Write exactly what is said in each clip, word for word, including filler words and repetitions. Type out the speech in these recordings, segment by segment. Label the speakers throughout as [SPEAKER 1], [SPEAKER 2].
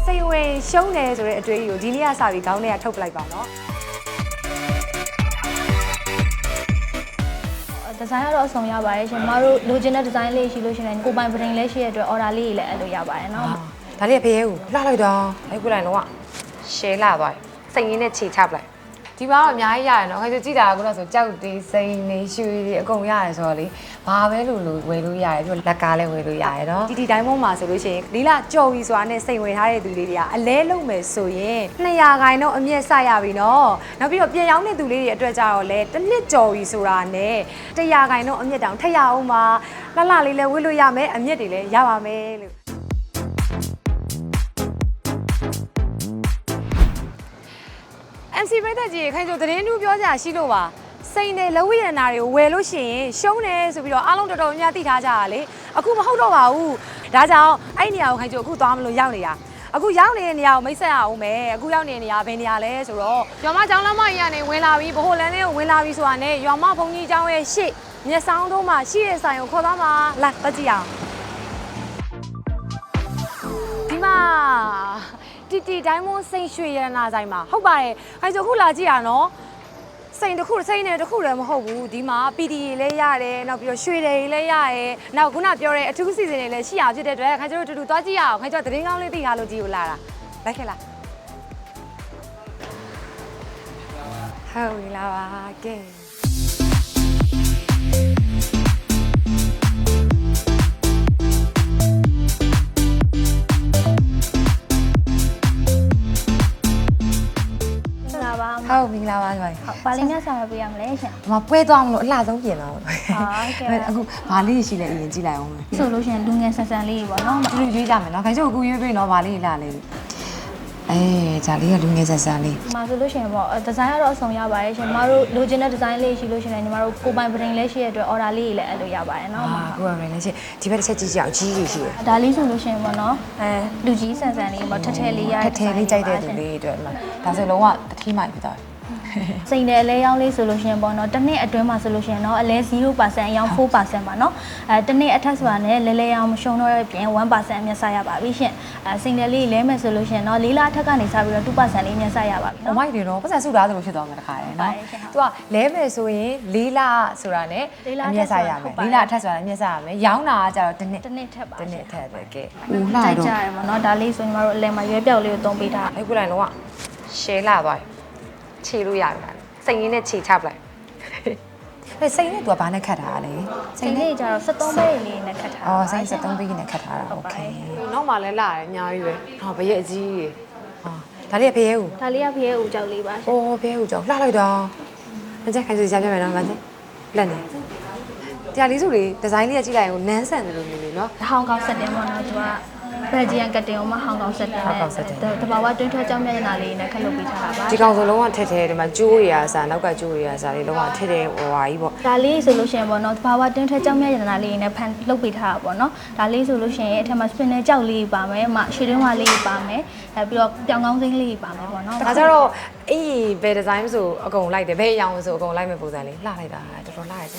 [SPEAKER 1] စိတ်ဝင်ရှုံးတယ်ဆိုတဲ့အတွေ့အကြုံကိုဒီနေ့ကစပြီးခေါင်းထဲကထုတ်ပလိုက်ပါနော်
[SPEAKER 2] ဒီဇိုင်းကတော့အဆုံးရပါတယ်ရှင်မတို့လိုချင်တဲ့ဒီဇိုင်းလေးရှိလို့ရှိရင်ကိုပိုင်ပရင်လေးရှိရတဲ့အတွက် order လေးတွေလည်းအဲ့လိုရပါတယ်နော်
[SPEAKER 1] ဒါလေးကဖေးကိုလှလိုက်တော့အဲ့ခုလိုက်တော့ရှဲလာသွားစိတ်ရင်းနဲ့ခြေချပလိုက်ဒီမှာတော့အများကြီးရတယ်နော်ခင်ဗျကြည့်တာကဆိုကြောက်တေးစိန်နေရွှေတွေအကုန်ရတယ်ဆိုတော့လေဘာပဲလို့လို့ဝယ်လို့ရတယ်ပြီးတော့လက်ကားလည်းဝယ်လို့ရတယ်နော်ဒီဒီတိုင်းပေါ်မှာဆိုလို့ရှိရင်လီလာကြော်ပြီးဆိုတာနဲ့စိန်ဝယ်ထားတဲ့သူလေးတွေကအလဲလုံးမယ်ဆိုရင်နှစ်ရာခိုင်တော့အမြင့်ဆက်ရပြီနော်နောက်ပြီးတော့ပြန်ရောက်တဲ့သူလေးတွေအတွက်ကြတော့လေတစ်နှစ်ကြော်ပြီးဆိုတာနဲ့တရာခိုင်တော့အမြင့်တောင်ထက်ရအောင်ပါလှလှလေးလည်းဝယ်လို့ရမယ်အမြင့်တွေလည်းရပါမယ်လို့M C ပြတဲ့ကြီးခိုင်ဆိုသတင်းတူပြောကြရှိလို့ပါစိန်တယ်လဝိရဏတွေကိုဝယ်လို့ရှိရင်ရှုံးတယ်ဆိုပြီးတော့အားလုံးတော်တော်များများသိထားကြတာလေအခုမဟုတ်တော့ပါဘူးဒါကြောင့်အဲ့နေရာကိုခိုင်ဆိုအခုသွားမလို့ရောက်နေတာအခုရောက်နေတဲ့နေရာကိုမိတ်ဆက်ရအောင်မယ်အခုရောက်နေတဲ့နေရာဘယ်နေရာလဲဆိုတော့ရွာမကျောင်းလမ်းမကြီးကနေဝင်လာပြီးဗဟိုလမ်းလေးကိုဝင်လာပြီးဆိုတာနဲ့ရွာမဘုံကြီးကျောင်းရဲ့ရှေ့မျက်စောင်းတို့မှာရှိတဲ့ဆိုင်ကိုခေါ်သွားမှာလာတက်ကြည့်အောင်ဒီမှာတီတီတိုင်းမွန်းစိန်ရွှေရတနာဆိုင်မှာဟုတ်ပါတယ်ခိုင်ဆိုခုလာကြည့်ရနော်စိန်တစ်ခုစိန်နဲ့တစ်ခုလည်းမဟုတ်ဘူးဒီမှာ P D တွေလည်းရတယ်နောက်ပြီးတော့ရွှေတွေလည်းရတယ်နောက်ခုနပြောတဲ့အထူးစီစဉ်တွေလည်းရှိအောင်ဖြစ်တဲ့အတွက်ခိုင်ကျတို့တူတူသွားကြည့်ရအောင်ခိုင်ကျသတင်းကောင်းလေးသိထားလို့ကြည့်ကိုလာတာလိုက်ခဲ့လားဟုတ်ပြီလားပါကဲဟုတ်ပြီလားပါဆိုရင်
[SPEAKER 2] ဟုတ်ပါလင်းနဲ့ဆောင်ရပေးရမလဲရှင်
[SPEAKER 1] ။မပွဲသွားမလို့အလှဆုံးပြင်တော့။ဟုတ်
[SPEAKER 2] ကဲ့
[SPEAKER 1] ။အခုဘာလေးရှိလဲအရင်ကြည့်လိုက်အောင်မယ်
[SPEAKER 2] ။ဆိုလို့ရှင်လူငယ်ဆန်ဆန်လေးပေါ့နော်
[SPEAKER 1] ။ဒီလိုရွေးကြမယ်နော်။ခိုင်ချို့အခုရွေးပေးနော်ဗာလေးလှလေး။အဲဂျာလေးကလူငယ်ဆန်ဆန်လေး
[SPEAKER 2] ။ဒီမှာဆိုလို့ရှင်ပေါ့ဒီဇိုင်းကတော့အဆုံးရပါတယ်ရှင်။မတို့လိုချင်တဲ့ဒီဇိုင်းလေးရှိလို့ရှင်လည်းညီမတို့ကိုပိုင်ပရင်လေးရှိရတဲ့အတွက် order လေးတွေလည်းအဲ့လိုရပါတယ်နော်
[SPEAKER 1] ။အာကိုပိုင်ပရင်လေးရှိဒီဘက်တစ်ချက်ကြည့်ကြအောင်ကြီးကြီးရှိရ
[SPEAKER 2] ။ဒါလေးဆိုလို့ရှင်ပေါ့နော်။အဲလူကြီးဆန်ဆန်လေးပေါ့ထက်ထဲလေးရ
[SPEAKER 1] ထက်ထဲလေးကြိုက်တဲ့သူလေးတွေအတွက်ဒါဆိုလုံးဝတတိမိုက်ဖြစ်သွားတယ်
[SPEAKER 2] စိန်တယ်အလဲရောင်းလေးဆိုလို့ရှိရင်ပေါ့နော်တစ်နှစ်အတွင်းမှာဆိုလို့ရှိရင်တော့အလဲ zero percent အရောင်း four percent ပါနော်အဲတစ်နှစ်အထက်ဆိုတာနဲ့လဲလဲရောင်းမရှုံတော့တဲ့ပြင် one percent အမြတ်ဆရပါပြီရှင်အဲစိန်တယ်လေးလဲမယ်ဆိုလို့ရှိရင်တော့လေးလအထက်ကနေစပြီးတော့ two percent လေးအမြတ်ဆရပါပြီ
[SPEAKER 1] နော်။မိုက်တယ်နော်ပတ်စံစုသားသလိုဖြစ်သွားမှာတခါရယ်နော်။ तू ကလဲမယ်ဆိုရင်လေးလဆိုတာနဲ့အမြတ်ဆရမယ်။လေးလအထက်ဆိုတာအမြတ်ဆရမယ်။ရောင်းတာကကြတော့တစ်နှစ်
[SPEAKER 2] တစ်နှစ်ထက်ပါ
[SPEAKER 1] တစ်နှစ်ထက်ပဲကဲ
[SPEAKER 2] ။ဦးလှတော့ကြရမှာနော်ဒါလေးဆိုရင်တို့အလဲမှာရွေးပြောက်လေးကိုသုံးပေးထား
[SPEAKER 1] ။အဲ့ခုလိုက်တော့ရှဲလာသွားခြေလို့ရပြီလားစိန်ရင်းနဲ့ခြေချပလိုက်ဟဲ့စိန်နဲ့ तू ကဘာနဲ့ခတ်ထားတာလဲ
[SPEAKER 2] စိန်လေးကျတော့sevenပဲလေးနဲ့ခတ်ထား
[SPEAKER 1] အော်စိန်sevenပဲနဲ့ခတ်ထားတာโอเคနောက်မှလည်းလာတယ်အများကြီးပဲဟောဘရဲ့အကြီးကြီးဟာဒါလေးကဖေးဦး
[SPEAKER 2] ဒါလေးကဖေးဦးကြောက်လေးပါ
[SPEAKER 1] အိုးဖေးဦးကြောက်လှလိုက်တော့မကြက်ခိုင်စီရှာပြမယ်နော်မကြက်လက်နေတရားလေးစုလေးဒီဇိုင်းလေးကကြည့်လိုက်ရင်နန်းဆန်တယ်လို့မျိုးလေးနော်
[SPEAKER 2] ဟောင်ကောင်ဆက်တင်ပေါ့နော် तू ကဘယ်ဂျီယန်ကတင်အောင်မဟောင်ကောင်ဆက်တင်နဲ့တဘာဝတွင်းထွက်ကြောင်းမျက်နှာလေးနဲ့ခက်လုပ်ပေးထားတာပါ
[SPEAKER 1] ဒီကောင်ဆိုလုံးဝထက်ထဲဒီမှာကျိုးရအစားနောက်ကကျိုးရအစားလေးလုံးဝထက်ထဲဟိုဟာကြီးပေါ့
[SPEAKER 2] ဒါလေးဆိုလို့ရှိရင်ပေါ့နော်တဘာဝတွင်းထွက်ကြောင်းမျက်နှာလေးနဲ့ဖန်လုပ်ပေးထားတာပေါ့နော်ဒါလေးဆိုလို့ရှိရင်အထက်မှာ spin နဲ့ကြောက်လေးပါမယ်မရှည်တွင်းဝါလေးပါမယ်အဲပြီးတော့ပြောင်ကောင်းစိမ့်လေးပါမယ်ပေါ့နော်
[SPEAKER 1] ဒါကြတော့အေးဘယ်ဒီဇိုင်းဆိုအကုန်လိုက်တယ်ဘယ်အရောင်ဆိုအကုန်လိုက်မဲ့ပုံစံလေးလှလိုက်တာတော်တော်လှရတယ်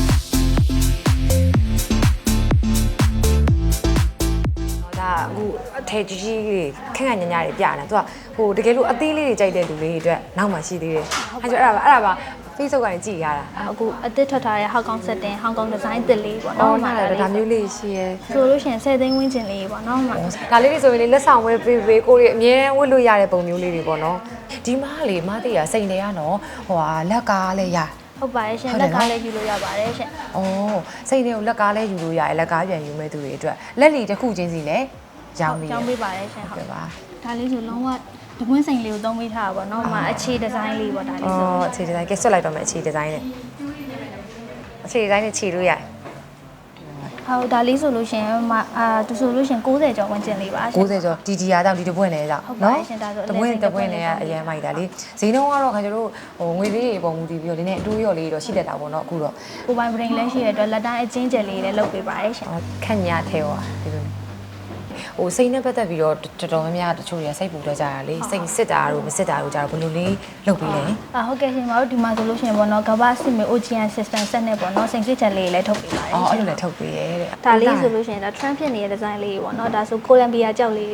[SPEAKER 1] ဒါအခုအထည်ကြီးကြီးလေးခက်ခက်ညံ့ညံ့တွေပြနေသူကဟိုတကယ်လို့အသေးလေးတွေကြိုက်တဲ့လူလေးတွေအတွက်နောက်မှရှိသေးတယ်အဲကျအဲ့ဒါပါအဲ့ဒါပါ Facebook ကနေကြည့်ရတာ
[SPEAKER 2] အခုအသစ်ထွက်ထားတဲ့ဟောင်ကောင်ဆက်တင်ဟောင်ကောင်ဒီဇိုင်းသစ်လေးပေါ့
[SPEAKER 1] နော်ဟုတ်တယ်ဒါမျိုးလေးရှိရဲ
[SPEAKER 2] ဆိုလို့ရှိရင်tenသိန်းဝန်းကျင်လေးပေါ့နော်
[SPEAKER 1] ဒါလေးတွေဆိုရင်လေလက်ဆောင်ဝယ်ပေးပေးကိုတွေအမြဲဝတ်လို့ရတဲ့ပုံမျိုးလေးတွေပေါ့နော်ဒီမားလေမားတေးရစိန်တယ်ရနော်ဟိုဟာလက်ကားလည်းရ
[SPEAKER 2] ဟုတ်ပါတယ်ရှင်လက်ကားလည်းယူလို့ရပါတယ်ရှင်
[SPEAKER 1] ။အော်စိတ်တွေကိုလက်ကားလည်းယူလို့ရတယ်လက်ကားပြန်ယူမဲ့သူတွေအတွက်လက်လီတစ်ခုချင်းစီလည်းရောင်းပြီး
[SPEAKER 2] ရောင်းပေးပါတယ်ရှင်ဟုတ်ကဲ့ပါဒါလေးဆိုလုံးဝတပွင့်စိန်လေးကိုသုံးပေးထားတာပေါ့နော်။မှာအခြေဒီဇိုင်းလေးပေါ့ဒါလေးဆို
[SPEAKER 1] ။အော်အခြေဒီဇိုင်းကဲဆွတ်လိုက်တော့မယ်အခြေဒီဇိုင်းနဲ့အခြေဒီဇိုင်းနဲ့ခြေလို့ရတယ်။
[SPEAKER 2] ဟုတ်ဒါလေးဆိုလို့ရှင်မအာသူဆိုလို့ရှင်ninetyကျော်ဝင်ကျင်လေးပါ
[SPEAKER 1] ninetyကျော်ဒီဒီယာတောင်ဒီတပွင့်လေးကြောင့်
[SPEAKER 2] နော်
[SPEAKER 1] တပွင့်တပွင့်လေးကအရင်မိုက်တာလေဈေးနှုန်းကတော့ခင်ဗျားတို့ဟိုငွေလေးတွေပုံမူတည်ပြီးတော့ဒီနေ့အတိုးရော်လေးတော့ရှိတတ်တာပေါ့နော်အခုတော့
[SPEAKER 2] ကိုပိုင်ပရင်လည်းရှိရတဲ့လက်တိုင်းအချင်းကျယ်လေးလည်းလုပ်ပေးပါတယ်ရှင်
[SPEAKER 1] ခက်ညာထဲဟောဒီလိုဟိုစိတ်နဲ့ပတ်သက်ပြီးတော့တော်တော်များများတချို့တွေကစိတ်ပူတော့ကြတာလေစိတ်စစ်တာတို့မစစ်တာတို့ကြတော့ဘယ်လိုလေးလုပ်ပြီးလဲ
[SPEAKER 2] အာဟုတ်ကဲ့ရှင်မတို့ဒီမှာဆိုလို့ရှိရင်ပေါ့နော်ကမ္ဘာစစ်မေ O G N system ဆက်နဲ့ပေါ့နော်စိတ်စစ်ချက်လေးလည်းထုတ်ပေးပါတယ်
[SPEAKER 1] အော်အဲ့လိုလည်းထုတ်ပေးရဲတဲ့
[SPEAKER 2] ဒါလေးဆိုလို့ရှိရင်ဒါ trend ဖြစ်နေတဲ့ design လေးပေါ့နော်ဒါဆို Columbia ကြောက်လေး
[SPEAKER 1] ဩ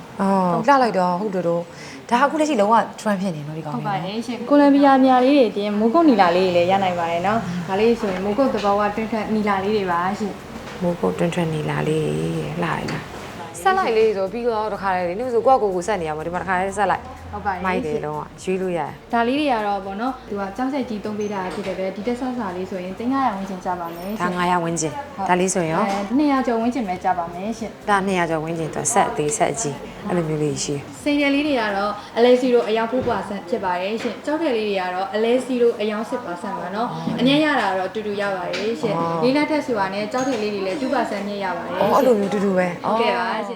[SPEAKER 1] အော်လှလိုက်တော့ဟုတ်တယ်တော့ဒါအခုလက်ရှိလုံးဝ trend ဖြစ်နေလို့ဒီကောင်
[SPEAKER 2] ဟုတ်ပါတယ်ရှင်ကိုလံဘီယာမြာလေးတွေပြင်မိုးကုတ်နီလာလေးတွေလည်းရနိုင်ပါတယ်နော်ဒါလေးဆိုရင်မိုးကုတ်သဘောကတွင်းထွက်နီလာလေးတွေပါရှင်
[SPEAKER 1] မိုးကုတ်တွန်းထွန်းနေလာလေးလှလိုက်လားဆက်လိုက်လေးဆိုပြီးတော့တခါလေနေဆိုကိုယ့်ကိုယ်ကိုဆက်နေရမှာဒီမှာတခါလေးဆက်လိုက်
[SPEAKER 2] ဟုတ်ပါတယ်
[SPEAKER 1] မိုက်တယ်လုံးဝရွေးလို့ရတယ်
[SPEAKER 2] ဒါလေးတွေကတော့ဗောနော်သူကကြောက်ဆက်ကြီးသုံးပေးတာဖြစ်တယ်ပဲဒီတက်ဆဆာလေးဆိုရင်တင်ငါရဝင်းချင်ကြပါမယ်ရှင်
[SPEAKER 1] ဒါ900ဝန်းကျင်ဒါလေးဆိုရင်ရော
[SPEAKER 2] အဲနှစ်ရာကျော်ဝင်းချင်ပဲကြပါမယ်ရှင်
[SPEAKER 1] ဒါ200ကျော်ဝန်းကျင်တော့ဆက်အသေးဆက်အကြီးအဲ့လိုမျိုးလေးရှိ
[SPEAKER 2] စိန်တယ်လေးတွေကတော့အလဲစီရိုအယောင်four percent ဖြစ်ပါတယ်ရှင်ကြောက်တယ်လေးတွေကတော့အလဲစီရိုအယောင်six percent ပါနော်အမြဲရတာတော့အတူတူရပါတယ်ရှင်လေးလက်ထက်ဆိုတာနဲ့ကြောက်တယ်လေးတွေလည်းtwo percent မြင့်ရပါတယ်
[SPEAKER 1] အော်အဲ့လိုမျိုးတူတူပဲ
[SPEAKER 2] ဟုတ်ကဲ့ပါရှင်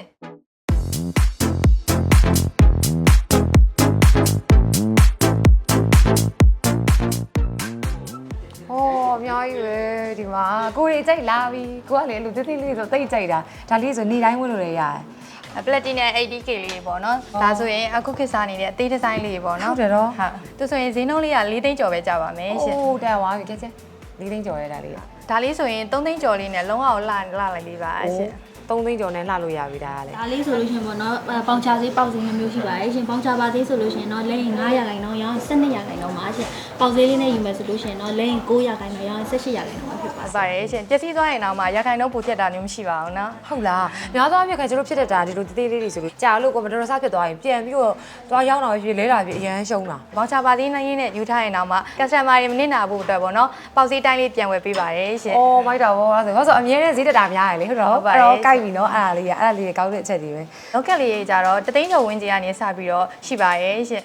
[SPEAKER 1] ဟောအများကြီးပဲဒီမှာကိုရီကြိုက်လာပြီကိုကလည်းအဲ့လိုတိတိလေးဆိုတိတ်ကြိုက်တာဒါလေးဆိုနေတိုင်းဝင်လို့လည်းရတယ်
[SPEAKER 2] ပလက်တီနမ် eighty K လေးပေါ့နော်ဒါဆိုရင်အခုခေတ်စားနေတဲ့အသေးဒီဇိုင်းလေးပေါ့နော်
[SPEAKER 1] ဟုတ်တယ်တော့
[SPEAKER 2] ဟုတ်သူဆိုရင်ဈေးနှုန်းလေးက၄သိန်းကျော်ပဲကြပါမယ်ရှင်
[SPEAKER 1] အိုးတက်သွားပြီကြက်ကြက်၄သိန်းကျော်ရဲဒါလေး
[SPEAKER 2] ဒါလေးဆိုရင်၃သိန်းကျော်လေးနဲ့လုံးဝလှလှလိုက်လေးပါရှင်
[SPEAKER 1] သုံးသိန်းကျော်နဲ့လှလို့ရပြီဒါကလည်း
[SPEAKER 3] ဒါလေးဆိုလို့ရှိရင်ပေါ့နော်ပေါင်ချာဈေးပေါက်ဈေးမျိုးရှိပါတယ်ရှင်ပေါင်ချာပါဈေးဆိုလို့ရှိရင်တော့လဲရင်900ရာခိုင်နှုန်းရောင်း12ရာခိုင်နှုန်းပါရှင်ပေါက်ဈေးလေးနဲ့ယူမယ်ဆိုလို့ရှိရင်တော့လဲရင်900ရာခိုင်နှုန်းရောင်း18ရာခိုင်နှုန်းပါဖြစ်ပါ
[SPEAKER 2] ဟုတ်ပါတယ်ရှင်ပျက်စီးသွားရင်တော့မှရခိုင်နှုန်းပိုဖြစ်တာမျိုးမရှိပါဘူးနော်
[SPEAKER 1] ဟုတ်လားများသောအားဖြင့်ခင်ကျတို့ဖြစ်တတ်တာဒီလိုတေးသေးလေးတွေဆိုလို့ကြာလို့ကွန်ပျူတာဆဖြစ်သွားရင်ပြန်ပြီးတော့သွားရောက်တော့ဖြစ်လဲတာဖြစ်အရန်ရှုံးတာ
[SPEAKER 2] ဘောင်ချပါသေးနိုင်ရင်းနဲ့ယူထားရင်တော့မှ customer တွေမနစ်နာဖို့အတွက်ပေါ့နော်ပေါက်ဈေးတိုင်းလေးပြန်ဝယ်ပေးပါတယ်ရှင်
[SPEAKER 1] အော်မိုက်တာဗောအဲ့ဆိုဟောဆိုအမြဲတမ်းဈေးတက်တာများရလေဟုတ်တော့အဲ့တော့ကြိုက်ပြီနော်အဲ့ဒါလေးကအဲ့ဒါလေးကောင်းတဲ့အချက်တွေပဲ
[SPEAKER 2] လောက်ကက်လေးကြီးကြတော့တသိန်းကျော်ဝင်းကြီးကနေစပြီးတော့ရှိပါရဲ့ရှင်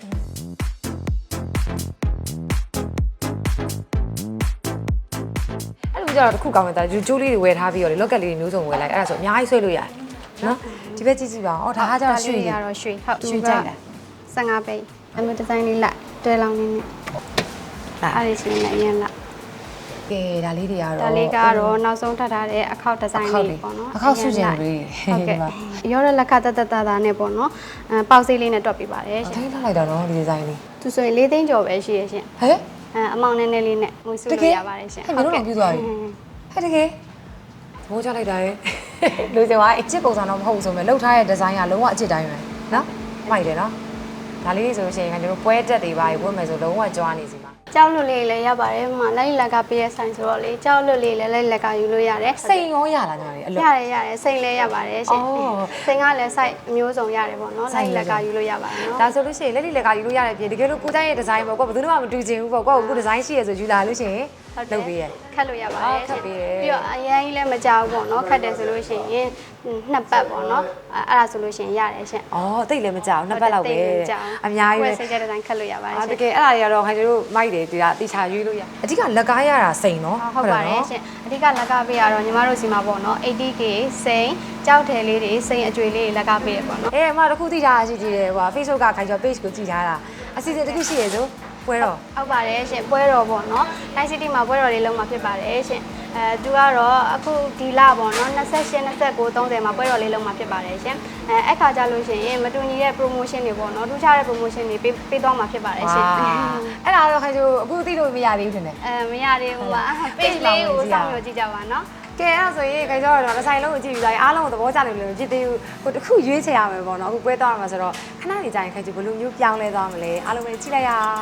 [SPEAKER 1] အဲ့လိုကြတော့တစ်ခုကောင်းတယ်ဒါဂျူဂျိုးလေးတွေဝယ်ထားပြီးတော့လေလောက်ကက်လေးတွေမျိုးစုံဝယ်လိုက်အဲ့ဒါဆိုအများကြီးဆွဲလို့ရတယ်နော်ဒီဘက်ကြည့်ကြည့်ပါဦးဒါကကြတော့ရွှေ
[SPEAKER 4] ရတော့ရွှေဟုတ်
[SPEAKER 1] ရွှေကြိုက်လား
[SPEAKER 4] 15ပိတ်အမျိုးဒီဇိုင်းလေးလိုက်တွဲလောင်းနေနေအဲ့ဒီချင်းလည်းအရင်လိုက်က
[SPEAKER 1] ဲဒါလေးတွေကတော့
[SPEAKER 4] ဒါလေးကတော့နောက်ဆုံးထပ်ထားတဲ့အခောက်ဒီဇိုင်းလေးပေါ့နော်
[SPEAKER 1] အခောက်စုကျင်လေး
[SPEAKER 4] ဟုတ်ကဲ့ရောတဲ့လက်ခတတတတာနဲ့ပေါ့နော်အဲပေါက်စိတ်လေးနဲ့တွက်ပြပါတယ်
[SPEAKER 1] အ
[SPEAKER 4] ရှင်
[SPEAKER 1] တိုင်းထားလိုက်တာနော်ဒီဒီဇိုင်းလေး
[SPEAKER 4] သူဆိုရင်၄သိန်းကျော်ပဲရှိရရှင်
[SPEAKER 1] ဟဲ့
[SPEAKER 4] အဲအမောင်နည်းနည်းလေးနဲ့ငွေစုလို့ရပါတယ်ရှင်
[SPEAKER 1] ဟဲ့မျိုးလုံးပြူသွားပြီဟဲ့တကယ်သဘောကျလိုက်တာရဲ့လူစင်ကအစ်စ်ပုံစံတော့မဟုတ်ဘူးဆိုမဲ့လှုပ်ထားတဲ့ဒီဇိုင်းကလုံးဝအစ်စ်တိုင်းပဲနော်မိုက်တယ်နော်ဒါလေးဆိုလို့ရှိရင်ကျွန်တော်ပွဲတက်တွေပါဝတ်မယ်ဆိုလုံးဝကြွားနေစီမှာ
[SPEAKER 4] ကြောက်လွတ်လေးလည်းရပါတယ်ဟိုမှာလိုက်လက်ကပေးရဆိုင်ဆိုတော့လေကြောက်လွတ်လေးလည်းလိုက်လက်ကယူလို့ရတယ်
[SPEAKER 1] စိန်ရောရလာကြတယ်အလို့
[SPEAKER 4] ရတယ်ရတယ်စိတ်လည်းရပါတယ်ရှင်
[SPEAKER 1] အော်
[SPEAKER 4] စိတ်ကလည်း site အမျိုးစုံရတယ်ပေါ့နော်
[SPEAKER 1] Site
[SPEAKER 4] လိုက်လက်ကယူလို့ရပါတယ်နော်
[SPEAKER 1] ဒါဆိုလို့ရှိရင်လက်လိလက်ကယူလို့ရတဲ့ပြင်တကယ်လို့ကိုတိုင်းရဲ့ဒီဇိုင်းပေါ့ကွာဘယ်သူမှမတူချင်ဘူးပေါ့ကွာကိုဒီဇိုင်းရှိရဆိုယူလာလို့ရှိရင်လုပ်ပေးရ
[SPEAKER 4] ခတ်လို့ရပါတယ်
[SPEAKER 1] ခတ်ပေးတယ်
[SPEAKER 4] ပြီးတော့အရင်ကြီးလည်းမကြောက်ဘူးပေါ့နော်ခတ်တယ်ဆိုလို့ရှိရင်နှစ်ပတ်ပေါ့နော်အဲ့ဒါဆိုလို့ရှိရင်ရတယ်ရှင်
[SPEAKER 1] อ๋อတိတ်လည်းမကြောက်နှစ်ပတ်လောက်ပဲအများကြီးပဲ
[SPEAKER 4] စိတ်ကြတဲ့တိုင်းခတ်လို့ရပါတယ်
[SPEAKER 1] အာ
[SPEAKER 4] ရှင်
[SPEAKER 1] တကယ်အဲ့ဒါတွေကတော့ခင်ဗျားတို့မိုက်တယ်ဒီကတိချာရွေးလို့ရအဓိကလက်ကားရတာစိန်နော်
[SPEAKER 4] ဟုတ်ပါတယ်ရှင်အဓိကလက်ကပေးရတော့ညီမတို့စီမှာပေါ့နော် eighty K စိန်ကြောက်တယ်လေးတွေစိန်အကျွေလေးတွေလက်ကပေးရပေါ့နော်
[SPEAKER 1] အေးအမတခုတိထားရှိကြည့်တယ်ဟို Facebook ကခိုင်ကျော် page ကိုကြည့်ထားတာအစီအစဉ်တစ်ခုရှိရဆိုပွဲတော့
[SPEAKER 4] ဟုတ်ပါတယ်ရှင်ပွဲတော်ပေါ့နော် Night City မှာပွဲတော်လေးလုံးမှာဖြစ်ပါတယ်ရှင်အဲသူကတော့အခုဒီလပေါ့နော်28 29 30မှာပွဲတော်လေးလုံးမှာဖြစ်ပါတယ်ရှင်အဲအဲ့ခါကြလို့ရှိရင်မတူညီတဲ့ promotion တွေပေါ့နော်ထူးခြားတဲ့ promotion တွေပေးပေးသွားမှာဖြစ်ပါတယ်ရှင်
[SPEAKER 1] အဲ့ဒါတော့ခိုင်ကျော်အခုသိလို့မရသေးဘူးထင်တယ်
[SPEAKER 4] အဲမရသေးဘူးပါ page လေးကိုစောင့်မျှော်ကြည့်ကြပါနော်
[SPEAKER 1] ကဲအဲ့ဒါဆိုရင်ခိုင်ကျော်ကတော့တစ်ဆိုင်လုံးကိုကြည့်ပြီးသားအားလုံးကိုသဘောကျတယ်လို့ဖြစ်သေးဘူးဟိုတစ်ခုရွေးချယ်ရမယ်ပေါ့နော်အခုပွဲသွားရမှာဆိုတော့ခဏနေကြရင်ခိုင်ကျော်ဘယ်လိုမျိုးပြောင်းလဲသွားမလဲအားလုံးပဲကြည့်လိုက်ရအောင်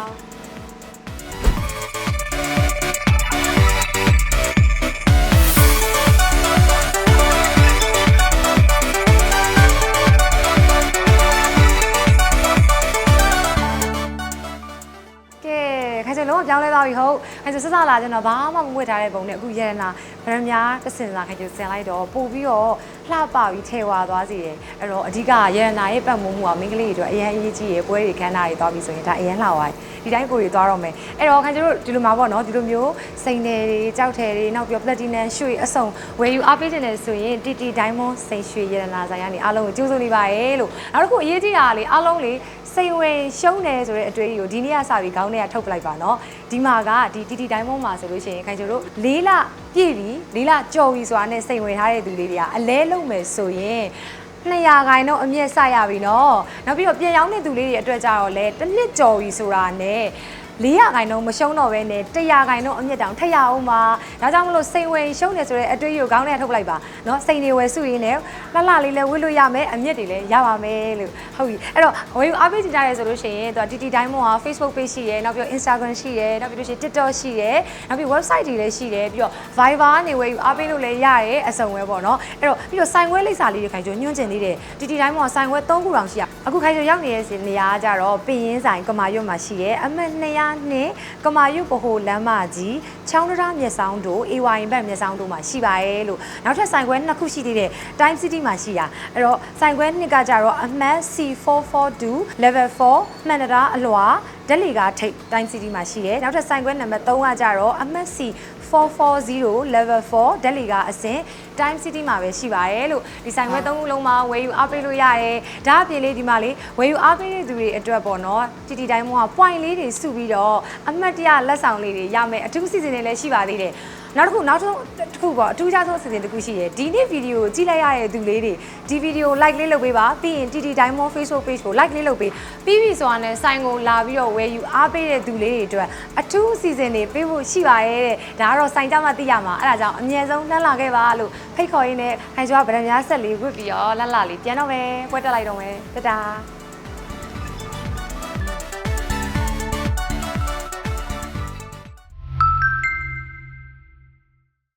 [SPEAKER 1] ခိုင်စလုံးကပြောင်းလဲသွားပြီဟုတ်ခိုင်စစစလာကျွန်တော်ဘာမှမဝတ်ထားတဲ့ပုံနဲ့အခုရရနာဗရမများတစ်စင်စာခိုင်ကျဆင်လိုက်တော့ပို့ပြီးတော့လှပပြီးထဲဝါသွားစီတယ်အဲ့တော့အဓိကရရနာရဲ့ပတ်မိုးမှုကမိန်းကလေးတွေအတွက်အရင်အရေးကြီးရယ်ပွဲတွေခန်းနာတွေသွားပြီးဆိုရင်ဒါအရင်လှသွားဒီတိုင်းကိုတွေသွားတော့မယ်အဲ့တော့ခိုင်ကျတို့ဒီလိုမှာပေါ့နော်ဒီလိုမျိုးစိန်တယ်တွေကြောက်တယ်တွေနောက်ပြီးပလက်တီနမ်ရွှေအစုံဝယ်ယူအားပေးနေတယ်ဆိုရင်တီတီဒိုင်းမွန်စိန်ရွှေရရနာဆိုင်ကနေအားလုံးကိုကြိုးစုံနေပါရဲ့လို့နောက်တစ်ခုအရေးကြီးတာကလေအားလုံးလေစိန်ဝင်ရှုံးတယ်ဆိုတဲ့အတွေ့အကြုံကိုဒီနေ့ကစပြီးခေါင်းထဲကထုတ်ပလိုက်ပါနော်ဒီမှာကဒီတီတီတိုင်းမုံမှာဆိုလို့ရှိရင်ခိုင်ကျတို့လေးလပြည့်ပြီလေးလကြော်ပြီဆိုတာနဲ့စိန်ဝင်ထားတဲ့သူလေးတွေကအလဲလုံးမယ်ဆိုရင်နှစ်ရာခိုင်တော့အမြင့်ဆက်ရပြီနော်နောက်ပြီးတော့ပြန်ရောက်တဲ့သူလေးတွေအတွက်ကြတော့လေတစ်နှစ်ကြော်ပြီဆိုတာနဲ့လေးရာခိုင်နှုန်းမရှုံးတော့ဘဲနဲ့တစ်ရာခိုင်နှုန်းအမြင့်တောင်ထက်ရအောင်ပါဒါကြောင့်မလို့စိန်ဝင်ရှုံးနေဆိုတဲ့အတွေ့အကြုံကောင်းတဲ့ထုတ်လိုက်ပါနော်စိန်တွေဝယ်စုရင်းနဲ့လှလှလေးလည်းဝတ်လို့ရမယ်အမြင့်တွေလည်းရပါမယ်လို့ဟုတ်ပြီအဲ့တော့ဝယ်ယူအားပေးကြကြရဲဆိုလို့ရှိရင်သူက တီ တီ Diamond က Facebook page ရှိရယ်နောက်ပြီးတော့ Instagram ရှိရယ်နောက်ပြီးလို့ရှိရင် TikTok ရှိရယ်နောက်ပြီး website တွေလည်းရှိတယ်ပြီးတော့ Viber နေဝယ်ယူအားပေးလို့လည်းရတယ်အစုံပဲပေါ့နော်အဲ့တော့ပြီးတော့ဆိုင်ခွဲလိပ်စာလေးတွေခိုင်ကျိုညွှန်းကျင်သေးတယ် တီ တီ Diamond ကဆိုင်ခွဲသုံးခုတောင်ရှိရအခုခိုင်ကျိုရောက်နေတဲ့နေရာကကြတော့ပင်ရင်းဆိုင်ကမာရွတ်မှာရှိရယ်အမှတ်နှစ်ရာနှစ်ကမာရွတ်ဗဟိုလမ်းမကြီးချောင်းတရားမြက်ဆောင်တို့ အေ ဝိုင် ဘက်မြက်ဆောင်တို့မှာရှိပါရဲ့လို့နောက်ထပ်ဆိုင်ခွဲနှစ်ခုရှိသေးတယ် Time City မှာရှိရအဲ့တော့ဆိုင်ခွဲနှစ်ကကြတော့အမှတ် စီ four forty-two level four မှန်တရားအလွှာဒက်လီကထိပ် Time City မှာရှိတယ်နောက်ထပ်ဆိုင်ခွဲနံပါတ်threeကကြတော့အမှတ် စီ four forty level four ဒက်လီကအဆင့် Time City မှာပဲရှိပါရဲ့လို့ဒီဆိုင်ခွဲသုံးခုလုံးမှာဝယ်ယူအားပေးလို့ရတယ်ဒါအပြင်လေးဒီမှာလေးဝယ်ယူအားပေးတဲ့သူတွေအတွက်ပေါ့နော် တီ တီ Diamond က point လေးတွေစုပြီးတော့အမှတ်တရလက်ဆောင်လေးတွေရမယ်အထူးစီစဉ်တွေလည်းရှိပါသေးတယ်နောက်တစ်ခုနောက်တစ်ခုပေါ့အထူးခြားဆုံးအစီအစဉ်တစ်ခုရှိရယ်ဒီနေ့ဗီဒီယိုကိုကြည့်လိုက်ရတဲ့သူလေးတွေဒီဗီဒီယို like လေးလုပ်ပေးပါပြီးရင် တီ တီ Diamond Facebook page ကို like လေးလုပ်ပေးပြီးပြီဆိုတာနဲ့ဆိုင်ကိုလာပြီးတော့ဝယ်ယူအားပေးတဲ့သူလေးတွေအတွက်အထူးအစီအစဉ်တွေပေးဖို့ရှိပါရဲ့တဲ့ဒါကတော့ဆိုင်ကြမှာသိရမှာအဲ့ဒါကြောင့်အမြဲဆုံးလှမ်းလာခဲ့ပါလို့ဖိတ်ခေါ်ရင်းနဲ့ခိုင်ကျော်ကဗရန်များဆက်လေးဝတ်ပြီးတော့လှလှလေးပြန်တော့မယ်ပွဲတက်လိုက်တော့မယ်တတာ